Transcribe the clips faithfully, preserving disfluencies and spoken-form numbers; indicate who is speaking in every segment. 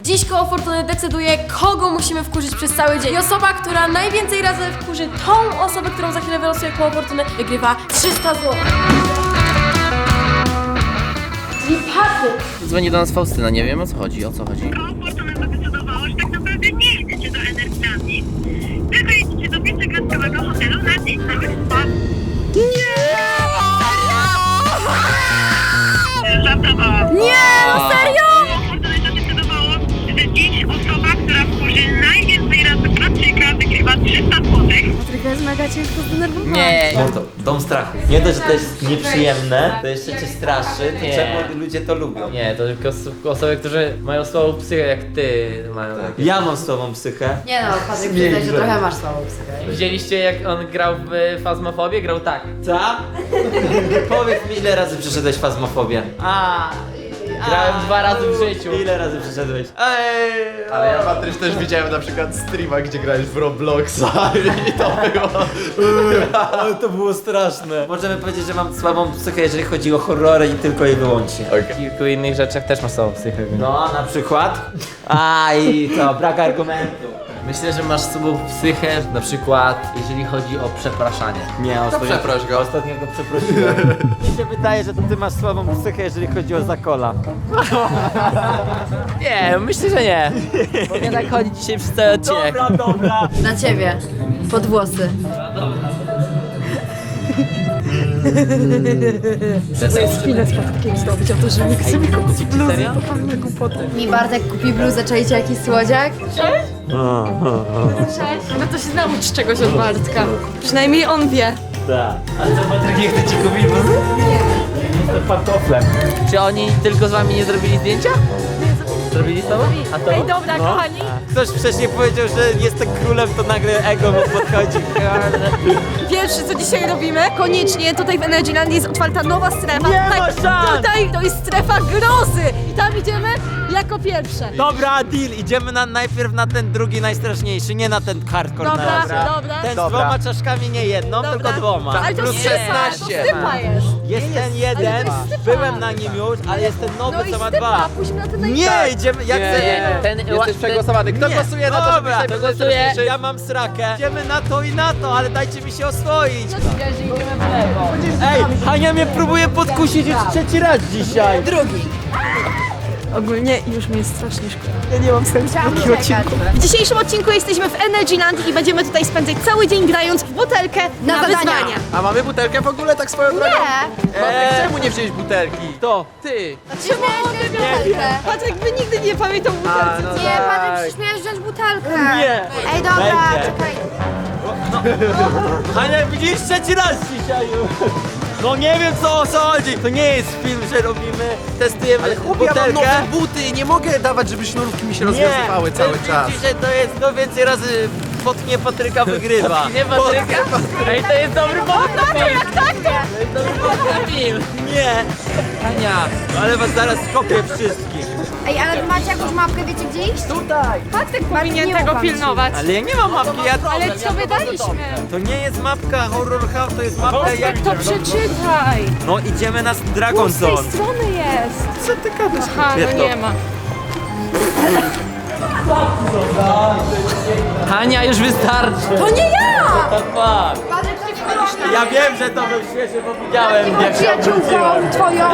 Speaker 1: Dziś koło fortuny decyduje, kogo musimy wkurzyć przez cały dzień. I osoba, która najwięcej razy wkurzy tą osobę, którą za chwilę wylosuje koło fortuny, wygrywa trzysta złotych. Czyli Patryk.
Speaker 2: Dzwoni do nas Faustyna, nie wiem o co chodzi, o co chodzi.
Speaker 3: Koło fortuny zadecydowało, że tak naprawdę nie chcecie do Energilandii. Wy wyjedziecie do pięciogwiazdkowego hotelu na dzień na wyspę. Żartowałam.
Speaker 1: Nie, no serio?
Speaker 3: Koło fortuny zadecydowało, że dziś osoba, która wkurzy najwięcej razy Patryka, wygrywa trzysta złotych.
Speaker 1: Patryka jest mega ciężko zdenerwowana.
Speaker 2: Nie,
Speaker 4: No to dom strachu. Nie dość, że to jest nieprzyjemne, to jeszcze cię straszy, to
Speaker 2: Nie.
Speaker 4: czemu ludzie to lubią?
Speaker 2: nie, to tylko os- osoby, które mają słabą psychę jak ty mają takie.
Speaker 4: Ja mam słabą psychę.
Speaker 5: Nie no, Patryk, przyznaj, że trochę masz słabą psychę.
Speaker 2: Widzieliście jak on grał w Fazmofobię? Grał tak.
Speaker 4: Co? Powiedz mi, ile razy przeszedłeś fazmofobię?
Speaker 2: A, grałem dwa razy w życiu.
Speaker 4: Ile razy przeszedłeś?
Speaker 2: Ej,
Speaker 6: Ale ja, Patryś, też widziałem na przykład streama, gdzie grałeś w Robloxa i to było...
Speaker 4: Ale to było straszne. Możemy powiedzieć, że mam słabą psychę, jeżeli chodzi o horrory i tylko i wyłącznie.
Speaker 2: W kilku innych rzeczach też masz słabą psychę.
Speaker 4: No, na przykład? A i to, brak argumentu.
Speaker 2: Myślę, że masz słabą psychę, na przykład jeżeli chodzi o przepraszanie.
Speaker 4: Nie, ostatnio,
Speaker 6: przeproś go.
Speaker 4: Ostatnio go przeprosiłem. Mi się wydaje, że to ty masz słabą psychę, jeżeli chodzi o zakola.
Speaker 2: Nie, myślę, że nie. Bo nie tak chodzi dzisiaj przez cały odcinek.
Speaker 4: Dobra, dobra.
Speaker 5: Na ciebie, pod włosy.
Speaker 2: Serio?
Speaker 5: Mi Bartek kupi bluzę, czajcie jakiś słodziak?
Speaker 1: No to się naucz czegoś od Bartka. Przynajmniej on wie.
Speaker 4: Tak. A co, Patryk nie chce ci kupić, bo... Nie. Jestem pantoflem.
Speaker 2: Czy oni tylko z wami nie zrobili zdjęcia? Zrobili z tobą? A to?
Speaker 1: Ej, dobra, kochani.
Speaker 4: Ktoś wcześniej powiedział, że jestem królem, to nagle ego mu podchodzi.
Speaker 1: Pierwsze, co dzisiaj robimy, koniecznie tutaj w Energylandii jest otwarta nowa strefa.
Speaker 4: Nie
Speaker 1: tutaj,
Speaker 4: ma szans!
Speaker 1: tutaj to jest strefa grozy i tam idziemy jako pierwsze.
Speaker 4: Dobra, deal, idziemy na, najpierw na ten drugi najstraszniejszy, nie na ten hardcore
Speaker 1: Dobra,
Speaker 4: na razie.
Speaker 1: dobra.
Speaker 4: Ten z
Speaker 6: Dobra.
Speaker 4: dwoma czaszkami, nie jedną,
Speaker 1: Dobra.
Speaker 4: tylko dwoma.
Speaker 1: Ale to
Speaker 6: Plus
Speaker 1: stypa, to
Speaker 6: szesnaście.
Speaker 1: stypa jest.
Speaker 4: Jest ten jeden,
Speaker 1: ale to jest stypa.
Speaker 4: byłem na nim już, ale jest ten nowy,
Speaker 1: No i
Speaker 4: co ma
Speaker 1: stypa,
Speaker 4: dwa.
Speaker 1: pójdźmy na ten
Speaker 4: Nie,
Speaker 1: najlepszy.
Speaker 4: idziemy, jak
Speaker 2: Nie,
Speaker 4: chcesz.
Speaker 2: nie, ten,
Speaker 6: Jesteś przegłosowany. Kto
Speaker 4: Nie.
Speaker 6: głosuje na to, żeby
Speaker 4: Dobra,
Speaker 6: dzisiaj
Speaker 4: to
Speaker 6: był
Speaker 2: głosuję.
Speaker 6: najstraszniejszy?
Speaker 4: Ja mam srakę. Idziemy na to i na to, ale dajcie mi się oswoić. Ej, Hania mnie próbuje podkusić już trzeci raz dzisiaj.
Speaker 5: Drugi.
Speaker 1: Ogólnie już mi jest strasznie szkoda. Ja nie mam sensu w takim odcinku. W dzisiejszym odcinku jesteśmy w Energylandii i będziemy tutaj spędzać cały dzień grając w butelkę na,
Speaker 5: Na zadania.
Speaker 1: wyzwania.
Speaker 6: A mamy butelkę w ogóle tak swoją drogą?
Speaker 5: Nie.
Speaker 6: Patryk, czemu nie wziąłeś butelki?
Speaker 2: To, ty.
Speaker 5: Czemu miałeś butelkę?
Speaker 1: Patryk, wy nigdy nie pamiętał butelce.
Speaker 6: no
Speaker 5: Nie,
Speaker 6: tak.
Speaker 5: Patryk, przecież miałeś wziąć butelkę.
Speaker 4: Nie.
Speaker 5: Ej, dobra,
Speaker 4: Będzie.
Speaker 5: czekaj.
Speaker 4: Hania, widzisz trzeci raz dzisiaj już. No nie wiem co o co chodzi. To nie jest film, że robimy, testujemy
Speaker 6: Ale chłopie, ja mam
Speaker 4: butelkę.
Speaker 6: nowe buty, nie mogę dawać, żeby sznurówki mi się rozwiązywały cały
Speaker 4: ten
Speaker 6: czas.
Speaker 4: film dzisiaj to jest, no więcej razy potknie Patryka wygrywa.
Speaker 2: Nie Patryka. Ej, to jest dobry pomysł na film.
Speaker 1: Jak tak, to...
Speaker 2: To jest dobry pomysł na film.
Speaker 4: Nie. Hania, ale was zaraz skopię wszystkich.
Speaker 5: Ej, ale wy macie jakąś mapkę, wiecie gdzie iść?
Speaker 4: Tutaj.
Speaker 1: Patryk powinien
Speaker 5: nie
Speaker 1: tego
Speaker 5: ufam ci.
Speaker 1: pilnować.
Speaker 4: Ale ja nie mam mapki, ja to...
Speaker 1: Ale co wydaliśmy?
Speaker 4: To nie jest mapka Horror House, to jest mapka jak...
Speaker 1: To przeczytaj.
Speaker 4: No idziemy na Dragon
Speaker 1: Z tej
Speaker 4: Zone.
Speaker 1: strony jest.
Speaker 4: Co ty gadasz?
Speaker 1: Aha,
Speaker 4: Wie
Speaker 1: no
Speaker 4: to.
Speaker 1: nie ma.
Speaker 2: Hania, już wystarczy.
Speaker 1: To nie ja!
Speaker 4: Tak, fuck.
Speaker 5: Patryk, to jest
Speaker 4: Ja wiem, że to był świeży, bo widziałem jak się
Speaker 5: przyjaciółką
Speaker 4: obróciłem.
Speaker 5: twoją.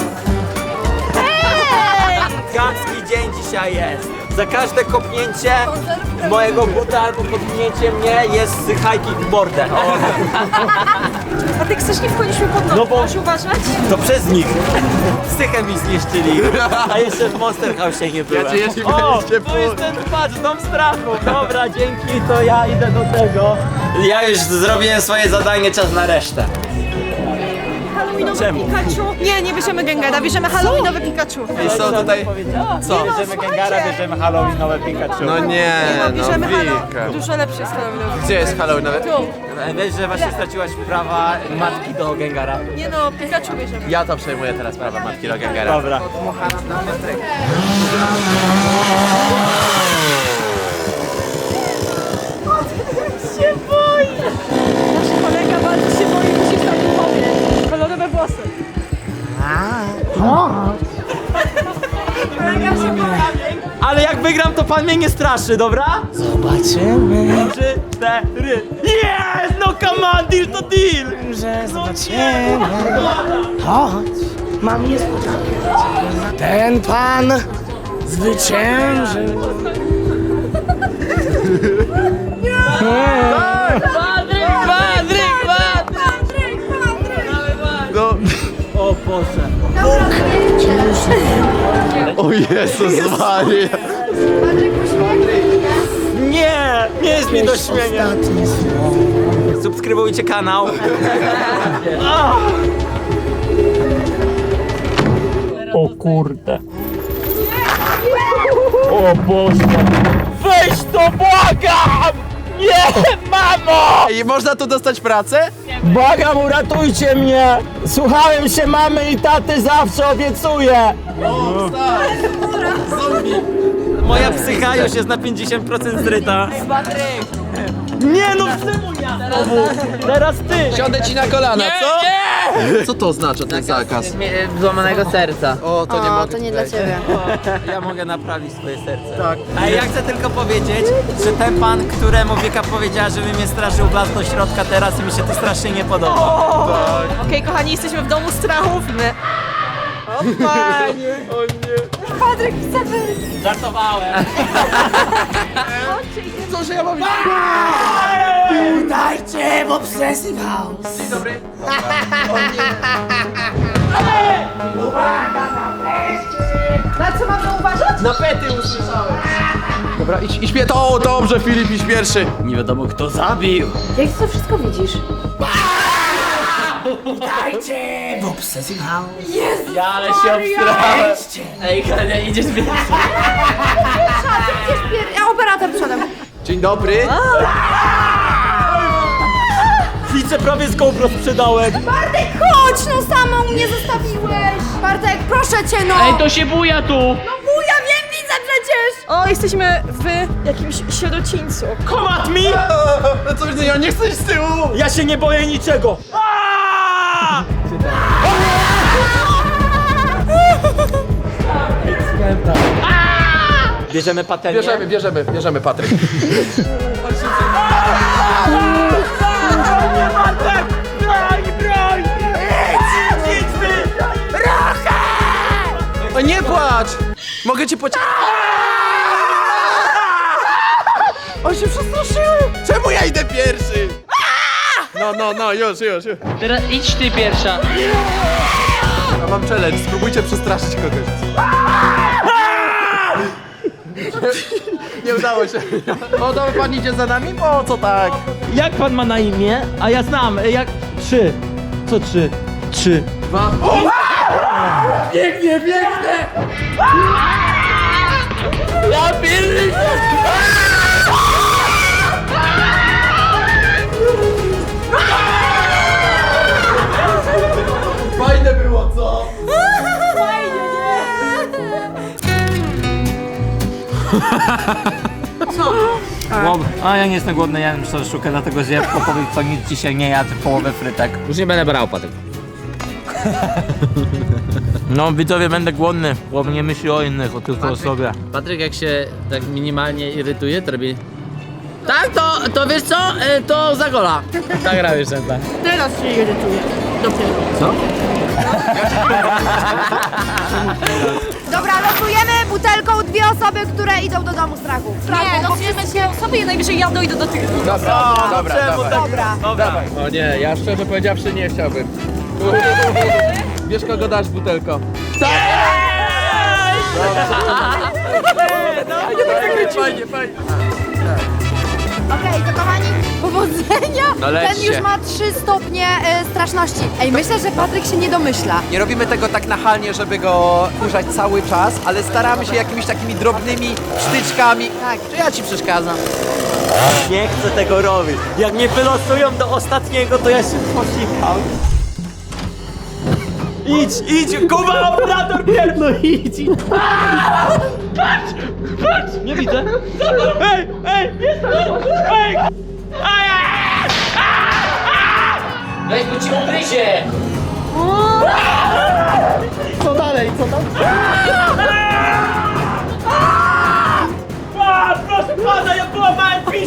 Speaker 4: Gacki dzień dzisiaj jest. Za każde kopnięcie mojego buta albo podpnięcie mnie jest hiking w mordę.
Speaker 1: A ty chcesz nie wchodziliśmy pod nogi,
Speaker 4: No bo-
Speaker 1: masz uważać?
Speaker 4: To przez nich. Psychę mi zniszczyli. A jeszcze w Monster House nie byłem.
Speaker 6: Ja cię jeszcze
Speaker 4: O,
Speaker 6: mieliście
Speaker 4: tu jest ten patrz, dom strachu. Dobra, dzięki, to ja idę do tego. Ja już zrobiłem swoje zadanie, czas na resztę.
Speaker 1: Halloweenowy
Speaker 4: Czemu?
Speaker 1: Pikachu. Nie, nie bierzemy Gengara, bierzemy Halloweenowy Pikachu.
Speaker 6: I są tutaj... Co?
Speaker 4: Bierzemy Gengara, bierzemy Halloweenowe Pikachu.
Speaker 6: No nie, no
Speaker 1: Bierzemy
Speaker 6: Wika.
Speaker 1: Halloween. Dużo lepszy jest Halloweenowy.
Speaker 6: Gdzie jest Halloween nawet?
Speaker 1: Tu.
Speaker 4: Wiesz, że właśnie straciłaś prawa matki do Gengara.
Speaker 1: Nie no, Pikachu bierzemy.
Speaker 6: Ja to przejmuję teraz prawa matki do Gengara.
Speaker 4: Dobra.
Speaker 1: się boi! Nasz kolega bardzo się boi, musisz tam mi pomóc. Kolorowe włosy.
Speaker 4: Ale jak wygram, to pan mnie nie straszy, dobra? Zobaczymy. Trzy, cztery. Jest! No come on, deal to deal!
Speaker 7: Że zobaczymy. Chodź, mam niespodziankę. Ten pan zwyciężył.
Speaker 4: Patryk, Patryk, Patryk!
Speaker 6: No.
Speaker 4: O Boże.
Speaker 6: O Jezus Maria.
Speaker 4: Nie, nie jest mi do śmienia.
Speaker 7: Ostatnie słowo.
Speaker 4: Subskrybujcie kanał. O kurde. O Boże. Weź to, błagam! Nie, mamo!
Speaker 6: I można tu dostać pracę?
Speaker 7: Błagam, uratujcie mnie! Słuchałem się mamy i taty, zawsze obiecuję!
Speaker 4: Moja psycha już jest na pięćdziesiąt procent zryta. Nie no, czemu ja? Teraz ty!
Speaker 6: Siądę ci na kolana, co? Nie! Co to oznacza ten zakaz?
Speaker 2: Złamanego serca.
Speaker 6: O, to nie
Speaker 5: O,
Speaker 6: mogę
Speaker 5: to nie
Speaker 6: tutaj.
Speaker 5: dla ciebie.
Speaker 4: Ja mogę naprawić swoje serce.
Speaker 6: Tak.
Speaker 4: A ja chcę tylko powiedzieć, że ten pan, któremu Wieka powiedziała, żeby mnie straszył, wlazł do środka teraz i mi się to strasznie nie podoba.
Speaker 1: Okej, kochani, jesteśmy w domu strachów. My... O panie!
Speaker 6: O nie.
Speaker 1: Patryk chce wyjść.
Speaker 4: Żartowałem.
Speaker 6: Co, że ja mam...
Speaker 7: Dajcie w Obsessive House!
Speaker 6: Dzień dobry.
Speaker 1: Na co mamy uważać?
Speaker 6: Na pety usłyszałem. Dobra, idź, idź mnie. O, dobrze, Filip, idź pierwszy.
Speaker 4: Nie wiadomo kto zabił.
Speaker 5: Jak ty to wszystko widzisz?
Speaker 7: Dajcie w Obsessive House!
Speaker 2: Ja ale się obstrałem. Ej, Hania, idziesz pierwszy.
Speaker 5: Gdzieś pier... Ja operator przodem.
Speaker 6: Dzień dobry.
Speaker 4: Widzę, prawie z GoPro sprzedałem.
Speaker 5: Bartek, chodź, no samą mnie zostawiłeś. Bartek, proszę cię, no.
Speaker 2: Ej, to się buja tu.
Speaker 5: No buja, wiem, widzę przecież.
Speaker 1: O, jesteśmy w jakimś sierocińcu.
Speaker 4: Komat mi!
Speaker 6: No co, ja nie chcę iść z tyłu.
Speaker 4: Ja się nie boję niczego. Aaaa! Bierzemy patelnię.
Speaker 6: Bierzemy, bierzemy, bierzemy, Patryk.
Speaker 4: Nie, Bartek! Broń, broń! Idź, idź wy!
Speaker 6: O, nie płacz. Mogę cię pociągnąć. On się przestraszyły. Czemu ja idę pierwszy? No, no, no, już, już, już.
Speaker 2: Teraz idź ty pierwsza.
Speaker 6: Ja mam challenge, spróbujcie przestraszyć kogoś. Nie udało się. O, dobra, pan idzie za nami? O, co tak?
Speaker 4: Jak pan ma na imię? A ja znam, jak... Trzy. Co trzy? Trzy.
Speaker 6: Dwa. Biegnie, biegnie!
Speaker 2: Ja pierdolę.
Speaker 6: Fajne było, co?
Speaker 4: A ja nie jestem głodny, ja jem sztukę, dlatego że ja po powiedz co nic dzisiaj nie jadł, połowę frytek.
Speaker 2: Już nie będę brał, Patryk.
Speaker 4: No widzowie, będę głodny, bo nie myśli o innych, o tylko o sobie.
Speaker 2: Patryk jak się tak minimalnie irytuje, to robi... Tak, to, to wiesz co? E, To za gola. Tak robisz ten tak.
Speaker 1: Teraz się irytuje. Dopiero.
Speaker 2: Co?
Speaker 5: Dobra, losujemy butelką dwie osoby, które idą do domu strachu.
Speaker 1: Nie, losujemy się osoby i najwyżej ja dojdę do tych.
Speaker 6: Dobra, dobra,
Speaker 4: Czemu
Speaker 6: dawaj.
Speaker 4: tak? Dobra.
Speaker 6: O nie, ja szczerze powiedziawszy nie chciałbym. Wiesz kogo dasz butelko? Fajnie, fajnie.
Speaker 5: Okej, to kochani, powodzenia.
Speaker 6: No lećcie.
Speaker 5: Ten już ma trzy stopnie y, straszności. Ej, myślę, że Patryk się nie domyśla.
Speaker 8: Nie robimy tego tak nachalnie, żeby go kurzać cały czas, ale staramy się jakimiś takimi drobnymi sztyczkami.
Speaker 5: Tak.
Speaker 8: Czy ja ci przeszkadzam?
Speaker 4: Nie chcę tego robić. Jak mnie wylosują do ostatniego, to ja się posikam. Idź, idź, Kuba, operator pierwszy! No idź, idź. Patrz, patrz! Nie widzę. Ej, ej, jestem! Ej!
Speaker 2: Weź, bo ci ugryzie.
Speaker 6: Co dalej, co tam?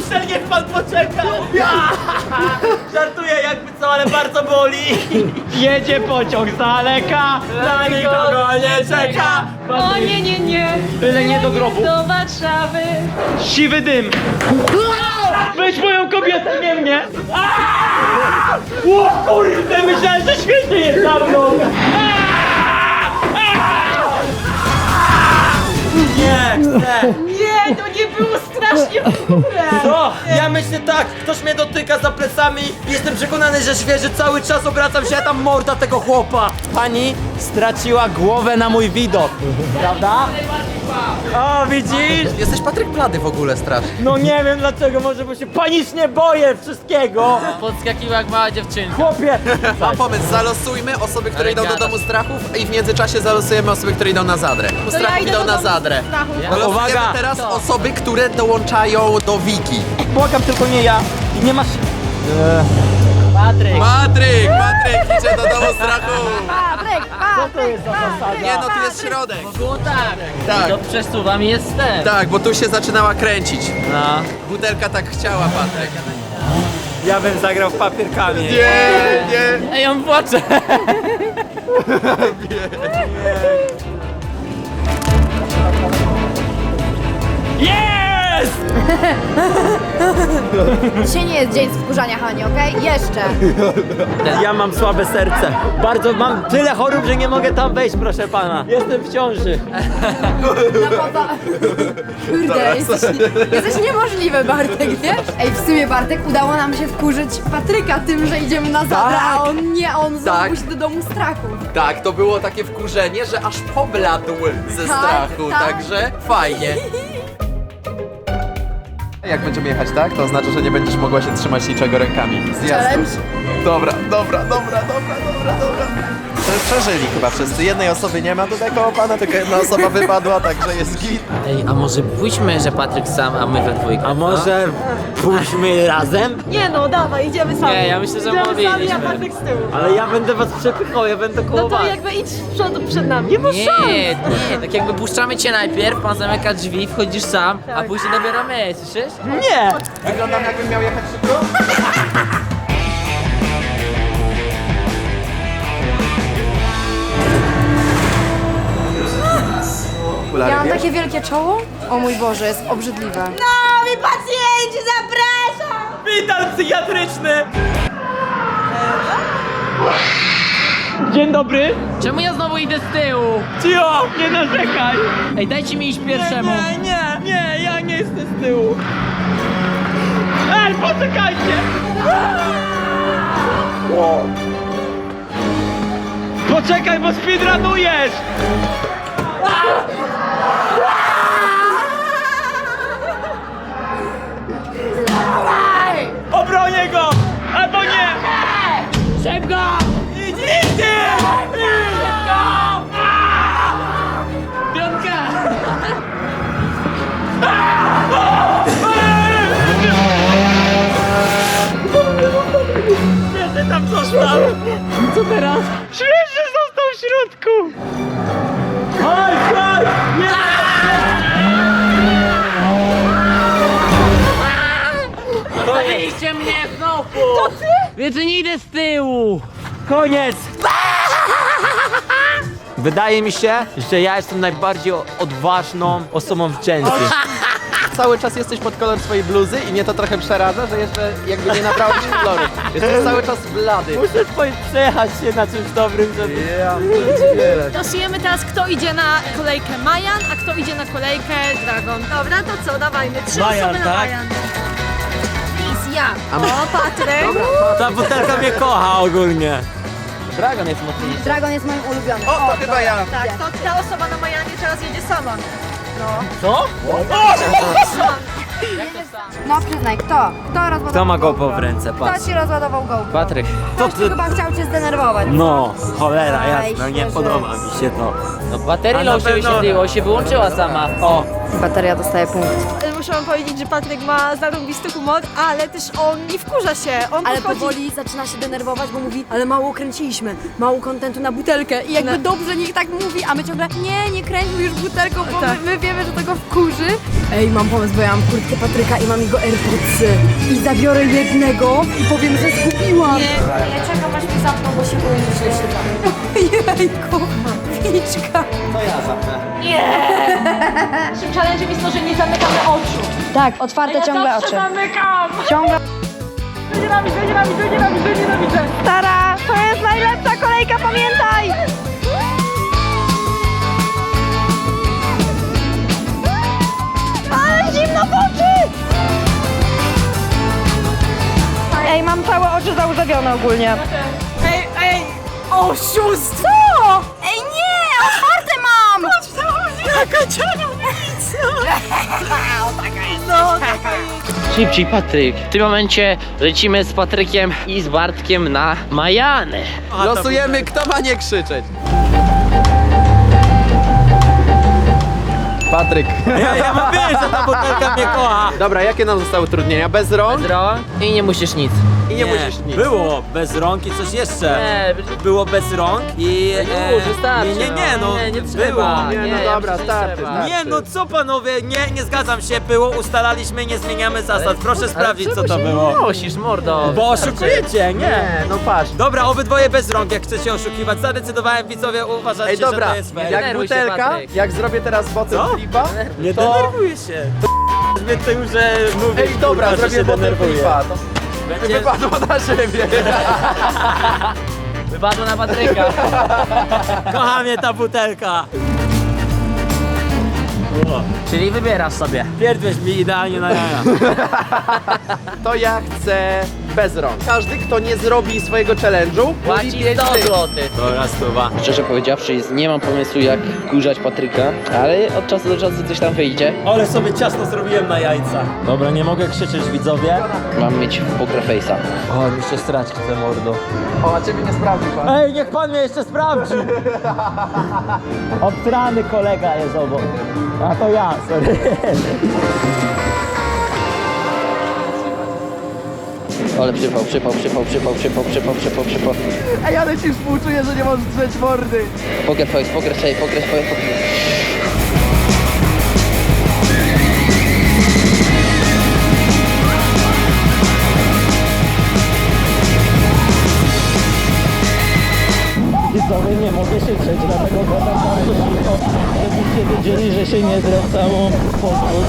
Speaker 4: Michel, niech pan poczeka! Ja! Żartuję jakby co, ale bardzo boli. Jedzie pociąg z daleka, na nikogo nie czeka.
Speaker 1: O nie, nie, nie.
Speaker 4: Byle nie do grobu.
Speaker 1: Do Warszawy.
Speaker 4: Siwy dym. Weź moją kobietę, nie mnie. Aaaa! O kurde, myślałem, że świetnie jest za mną. Nie, chcę.
Speaker 1: Nie, to nie było strasznie w górę.
Speaker 4: Co? Ja myślę tak, ktoś mnie dotyka za plecami. Jestem przekonany, że świeży cały czas obracam się, a tam morda tego chłopa. Pani straciła głowę na mój widok, prawda? O, widzisz?
Speaker 8: Jesteś Patryk blady w ogóle strasznie.
Speaker 4: No nie wiem dlaczego, może bo się panicznie boję wszystkiego.
Speaker 2: Podskakiwał jak mała dziewczynka.
Speaker 4: Chłopie.
Speaker 8: Mam pomysł, zalosujmy osoby, które idą do domu strachów i w międzyczasie zalosujemy osoby, które idą na zadrę. Do
Speaker 1: ja
Speaker 8: strachów
Speaker 1: idę
Speaker 8: idą
Speaker 1: do
Speaker 8: na
Speaker 1: domu
Speaker 8: zadrę.
Speaker 1: strachów.
Speaker 8: Losujemy
Speaker 4: Uwaga.
Speaker 8: teraz osoby, które dołączają do Wiki.
Speaker 4: Błagam, tylko nie ja. I nie masz...
Speaker 2: Patryk!
Speaker 8: Patryk, Patryk idzie do domu strachów.
Speaker 5: Patryk, Patryk, Patryk.
Speaker 8: Nie no, tu jest środek.
Speaker 2: Było tak!
Speaker 8: Tak.
Speaker 2: To przesuwam i jestem!
Speaker 8: Tak, bo tu się zaczynała kręcić.
Speaker 2: No.
Speaker 8: Butelka tak chciała, Patryk.
Speaker 4: Ja bym zagrał w papierkami.
Speaker 8: Nie, nie.
Speaker 2: Ej, on płacze!
Speaker 4: Jest!
Speaker 5: Dzisiaj nie jest dzień wkurzania, Hani, okej? Jeszcze.
Speaker 4: Ja mam słabe serce. Bardzo mam tyle chorób, że nie mogę tam wejść, proszę pana. Jestem w ciąży.
Speaker 5: No papa. Kurde, jesteś, jesteś niemożliwy, Bartek, wiesz? Ej, w sumie, Bartek, udało nam się wkurzyć Patryka tym, że idziemy na zadrę, a on nie, on znowu
Speaker 8: Tak.
Speaker 5: musi do domu strachu.
Speaker 8: Tak, to było takie wkurzenie, że aż pobladł ze
Speaker 5: Tak,
Speaker 8: strachu,
Speaker 5: tak.
Speaker 8: także fajnie. Jak będziemy jechać tak, to oznacza, że nie będziesz mogła się trzymać niczego rękami. Zjazdu.
Speaker 5: Challenge?
Speaker 8: Dobra, dobra, dobra, dobra, dobra, dobra. Prze- Przeżyli chyba wszyscy. Jednej osoby nie ma tutaj koło pana, tylko jedna osoba wypadła, także jest git.
Speaker 2: Ej, a może pójdźmy, że Patryk sam, a my we dwójkę?
Speaker 4: A może pójdźmy razem?
Speaker 1: Nie no, dawaj, idziemy sami.
Speaker 2: Nie, ja myślę, że
Speaker 1: idziemy sami, a
Speaker 2: mogliśmy.
Speaker 1: Patryk z tyłu.
Speaker 4: Ale ja będę was przepychał, ja będę koło
Speaker 1: No to
Speaker 4: was.
Speaker 1: jakby idź z przodu przed nami. Nie ma
Speaker 2: Nie,
Speaker 1: szans.
Speaker 2: nie, tak jakby puszczamy cię najpierw, pan zamyka drzwi, wchodzisz sam, a
Speaker 1: Tak.
Speaker 2: później dopiero my, słyszysz?
Speaker 4: Nie!
Speaker 8: Wyglądam jakbym miał jechać szybko?
Speaker 5: Ja mam takie wielkie czoło? O mój Boże, jest obrzydliwe.
Speaker 1: Nowi pacjenci, zapraszam!
Speaker 4: Szpital psychiatryczny! Dzień dobry!
Speaker 2: Czemu ja znowu idę z tyłu?
Speaker 4: Cio, nie narzekaj!
Speaker 2: Ej, dajcie mi iść pierwszemu.
Speaker 4: Nie, nie, nie, ja nie jestem z tyłu! Ej, poczekajcie! Poczekaj, bo speedrunujesz! Obronię go! Albo nie!
Speaker 2: Szybko!
Speaker 4: Idź, idź! Szybko!
Speaker 2: Piątka!
Speaker 4: Świeży tam został! Co teraz? Świeży został w środku! Chodź, chodź! Nie!
Speaker 2: Zostawiliście mnie znowu! To ty? Więc nie idę z tyłu!
Speaker 4: Koniec! Wydaje mi się, że ja jestem najbardziej odważną osobą w Gen Z.
Speaker 8: Cały czas jesteś pod kolor swojej bluzy i mnie to trochę przeraża, że jeszcze jakby nie nabrałeś koloru. Jesteś cały czas blady.
Speaker 4: Muszę twoje- przejechać się na czymś dobrym, żeby...
Speaker 8: Ja,
Speaker 1: Losujemy teraz, kto idzie na kolejkę Majan, a kto idzie na kolejkę Dragon. Dobra, to co, dawajmy. Trzy
Speaker 4: Majan,
Speaker 1: osoby na
Speaker 4: tak?
Speaker 1: Majan. Please, ja. O, Patryk.
Speaker 4: Ta butelka mnie kocha ogólnie.
Speaker 2: Dragon jest mocniejszy.
Speaker 5: Dragon jest moim ulubionym.
Speaker 8: O, to chyba ja.
Speaker 1: Tak, to ta osoba na Majanie teraz jedzie sama.
Speaker 4: Co?
Speaker 5: No przyznaj, kto? Kto rozładował
Speaker 4: Kto ma
Speaker 5: GoPro?
Speaker 4: GoPro w ręce, patrz.
Speaker 5: Kto ci rozładował GoPro?
Speaker 2: Patryk.
Speaker 5: Ktoś tu chyba chciał cię zdenerwować.
Speaker 4: No, cholera
Speaker 5: Aj,
Speaker 4: jasna, nie
Speaker 5: świeży.
Speaker 4: podoba mi się to.
Speaker 2: No baterii
Speaker 4: A na
Speaker 2: low się
Speaker 4: pewno-
Speaker 2: wyświetliło, się wyłączyła sama.
Speaker 4: O,
Speaker 5: Bateria dostaje punkt.
Speaker 1: Muszę wam powiedzieć, że Patryk ma zarąbisty humor, ale też on nie wkurza się. On
Speaker 5: Ale
Speaker 1: podchodzi...
Speaker 5: powoli zaczyna się denerwować, bo mówi, ale mało kręciliśmy, mało kontentu na butelkę i jakby
Speaker 1: No.
Speaker 5: dobrze niech tak mówi, a my ciągle nie, nie kręćmy już butelką, bo
Speaker 1: Tak.
Speaker 5: my, my wiemy, że to go wkurzy. Ej, mam pomysł, bo ja mam kurtkę Patryka i mam jego AirPodsy i zabiorę jednego i powiem, że zgubiłam.
Speaker 1: Ja czekam aż mi zapną, bo się boję, że się da.
Speaker 5: Jejku, piczka.
Speaker 1: Naszym challenge'em jest to, że nie zamykamy oczu.
Speaker 5: Tak, otwarte ciągle oczy.
Speaker 1: zamykam!
Speaker 5: Ciągle.
Speaker 1: Nienawidzę, nienawidzę, nienawidzę, nienawidzę. Stara, to jest najlepsza kolejka, pamiętaj! Ale zimno w oczy! Ej, mam całe oczy załzawione ogólnie. Ej, ej, oszustwo!
Speaker 5: Ej, nie, otwarte mam!
Speaker 1: Jaka czarownica! No, taka jest.
Speaker 2: Szybciej, Patryk. W tym momencie lecimy z Patrykiem i z Bartkiem na Majany.
Speaker 8: Losujemy, kto ma nie krzyczeć. Patryk.
Speaker 4: Ja, ja mam wiedzieć, że ta butelka mnie kocha.
Speaker 8: Dobra, jakie nam zostały utrudnienia? Bez rąk
Speaker 2: Zdro i nie musisz nic.
Speaker 8: i nie, musisz nic.
Speaker 4: Było bez rąk i coś jeszcze.
Speaker 2: Nie,
Speaker 4: Było bez rąk i...
Speaker 2: No już, wystarczy,
Speaker 4: nie, nie, nie, no,
Speaker 2: Nie, nie
Speaker 4: było.
Speaker 2: trzeba.
Speaker 8: Nie, no
Speaker 2: ja
Speaker 8: dobra,
Speaker 2: myślę, że
Speaker 8: starczy,
Speaker 2: trzeba.
Speaker 8: starczy.
Speaker 4: Nie, no co panowie, nie, nie zgadzam się, było, ustalaliśmy, nie zmieniamy zasad. Proszę sprawdzić, co to było.
Speaker 2: Musisz, mordo.
Speaker 4: Bo oszukujecie, nie?
Speaker 8: Nie, no patrz.
Speaker 4: Dobra, obydwoje bez rąk, jak chcecie oszukiwać. Zadecydowałem, widzowie, uważajcie,
Speaker 8: Ej, dobra,
Speaker 4: że to jest fair.
Speaker 8: jak
Speaker 2: denerwuj się,
Speaker 8: butelka,
Speaker 2: Patryk.
Speaker 8: jak zrobię teraz botem
Speaker 4: Co?
Speaker 8: flipa,
Speaker 4: Nie
Speaker 8: to...
Speaker 4: denerwuję się. To mnie to już, że mówię,
Speaker 8: Ej, dobra,
Speaker 4: kurwa, że
Speaker 8: zrobię
Speaker 4: się
Speaker 8: botem
Speaker 4: denerwuję.
Speaker 8: flipa, to
Speaker 4: Będzie...
Speaker 8: wypadło na ziemię.
Speaker 2: Wypadło na Patryka.
Speaker 4: Kocha mnie ta butelka. O,
Speaker 2: Czyli wybierasz sobie.
Speaker 4: pierdłeś mi idealnie na jaja.
Speaker 8: To ja chcę bez rąk. Każdy, kto nie zrobi swojego challenge'u, mówi
Speaker 2: Płaci
Speaker 8: pięć
Speaker 2: sto
Speaker 8: dych.
Speaker 2: złotych.
Speaker 4: Dobra, stuwa.
Speaker 2: Szczerze powiedziawszy, nie mam pomysłu jak kurzać Patryka, ale od czasu do czasu coś tam wyjdzie.
Speaker 4: Ale sobie ciasno zrobiłem na jajca. Dobra, nie mogę krzyczeć, widzowie.
Speaker 2: Mam mieć poker face'a.
Speaker 4: O, jeszcze strać chcę, mordo.
Speaker 8: O, a ciebie nie sprawdzi pan.
Speaker 4: Ej, niech pan mnie jeszcze sprawdzi. Obstrany kolega jest obok. A to ja, sorry.
Speaker 2: Ale przypał, przypał, przypał, przypał, przypał, przypał, przypał, przypał.
Speaker 8: Ej, ale ci współczuję, że nie możesz drzeć mordy.
Speaker 2: Poker face, poker face, poker face, poker face.
Speaker 7: Widzowie, nie mogę się grzeć, dlatego gadam bardzo cicho, żebyście wiedzieli, że się nie zwracało pozwól.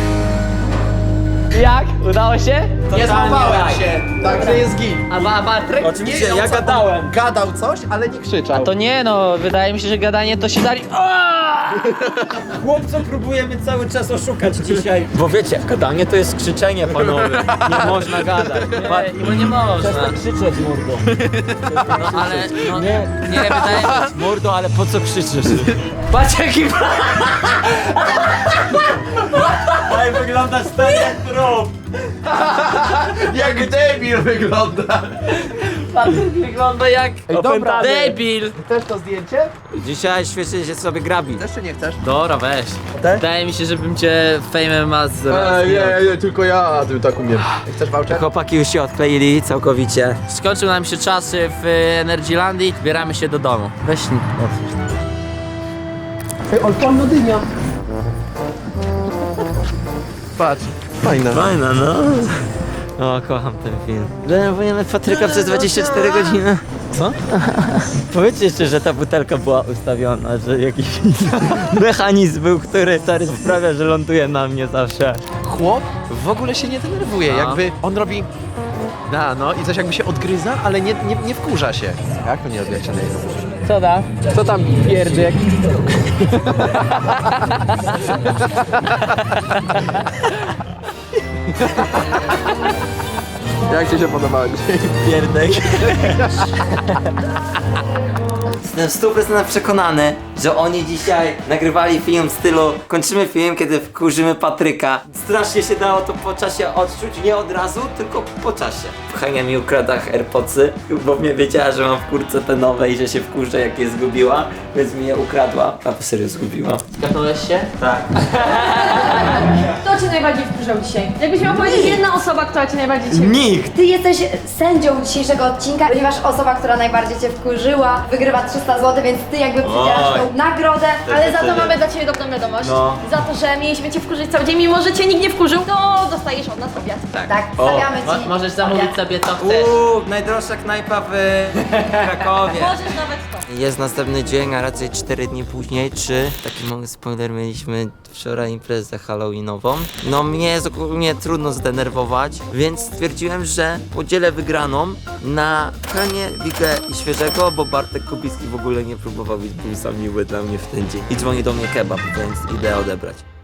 Speaker 2: Jak? Udało się?
Speaker 8: Nie złapałem się, także jest git.
Speaker 2: A ba Patryk?
Speaker 4: Oczywiście,
Speaker 8: Nie,
Speaker 4: ja
Speaker 8: on co-
Speaker 4: gadałem.
Speaker 8: Gadał coś, ale nie krzyczał.
Speaker 2: To nie no, wydaje mi się, że gadanie to się dali...
Speaker 4: Chłopco, próbujemy cały czas oszukać dzisiaj. Bo wiecie, gadanie to jest krzyczenie, panowie. Nie można gadać. Pa-
Speaker 2: Nie, bo nie można.
Speaker 4: Przestań krzyczeć, mordo.
Speaker 2: No ale, no, nie, nie wydaje mi się...
Speaker 4: Mordo, ale po co krzyczysz?
Speaker 2: Patrz jaki...
Speaker 4: Ej, wyglądasz tak jak trup.
Speaker 8: Jak debil wygląda.
Speaker 2: Patryk wygląda jak...
Speaker 8: Ej, dobra.
Speaker 2: Debil!
Speaker 8: Chcesz to zdjęcie?
Speaker 4: Dzisiaj świetnie się sobie grabi.
Speaker 8: Też czy nie chcesz?
Speaker 2: Dobra, weź.
Speaker 4: Tak?
Speaker 2: Wydaje mi się, żebym cię Fame ma z...
Speaker 8: Ej, nie, nie, tylko ja, a ty tak umiem. Chcesz voucher?
Speaker 4: Chłopaki już się odkleili całkowicie.
Speaker 2: Skończył nam się czasy w Energylandii, zbieramy się do domu. Weź...
Speaker 8: Ej, alpanna dynia. Patrz, fajna.
Speaker 4: Fajna, no. O, kocham ten film. Denerwujemy Patryka przez dwadzieścia cztery godziny. Co? Powiedzcie jeszcze, że ta butelka była ustawiona, że jakiś mechanizm był, który stary sprawia, że ląduje na mnie zawsze.
Speaker 8: Chłop w ogóle się nie denerwuje,
Speaker 2: No.
Speaker 8: jakby on robi... Da, no i coś jakby się odgryza, ale nie, nie, nie wkurza się. Jak to nie robi, jak się denerwuje?
Speaker 2: Co da?
Speaker 8: Co tam pierdyk? Jak ci się podobało dzisiaj?
Speaker 4: Pierdek. Jestem w stu procentach przekonany, że oni dzisiaj nagrywali film w stylu kończymy film, kiedy wkurzymy Patryka. Strasznie się dało to po czasie odczuć, nie od razu, tylko po czasie. Hania mi ukradła AirPodsy, bo mnie wiedziała, że mam w kurce te nowe i że się wkurzę, jak je zgubiła, więc mi je ukradła. A po serio zgubiła.
Speaker 2: Kapnąłeś się?
Speaker 4: Tak.
Speaker 1: Kto cię najbardziej wkurzał dzisiaj? Jakbyś miał powiedzieć jedna osoba, która cię najbardziej dzisiaj...
Speaker 4: Nikt!
Speaker 5: Ty jesteś sędzią dzisiejszego odcinka, ponieważ osoba, która najbardziej cię wkurzyła, wygrywa trzysta złotych, więc ty jakby przydzielasz
Speaker 4: Oj.
Speaker 5: tą nagrodę.
Speaker 1: Ale za to mamy dla ciebie dobrą wiadomość.
Speaker 4: No.
Speaker 1: Za to, że mieliśmy cię wkurzyć cały dzień, mimo że cię nikt nie wkurzył, to dostajesz od nas obiad.
Speaker 5: Tak, stawiamy
Speaker 2: Mo-
Speaker 5: ci.
Speaker 2: możesz zamówić
Speaker 5: obiad.
Speaker 2: sobie co chcesz.
Speaker 4: Uuu, najdroższa knajpa w Krakowie.
Speaker 1: Możesz nawet to.
Speaker 9: Jest następny dzień, a raczej cztery dni później, trzy. Taki mały spoiler, mieliśmy wczoraj imprezę halloweenową. No mnie jest ogólnie trudno zdenerwować, więc stwierdziłem, że podzielę wygraną na Hanie, Wigę i Świeżego, bo Bartek Kubicki w ogóle nie próbował być, był sam miły dla mnie w ten dzień. I dzwoni do mnie kebab, więc idę odebrać.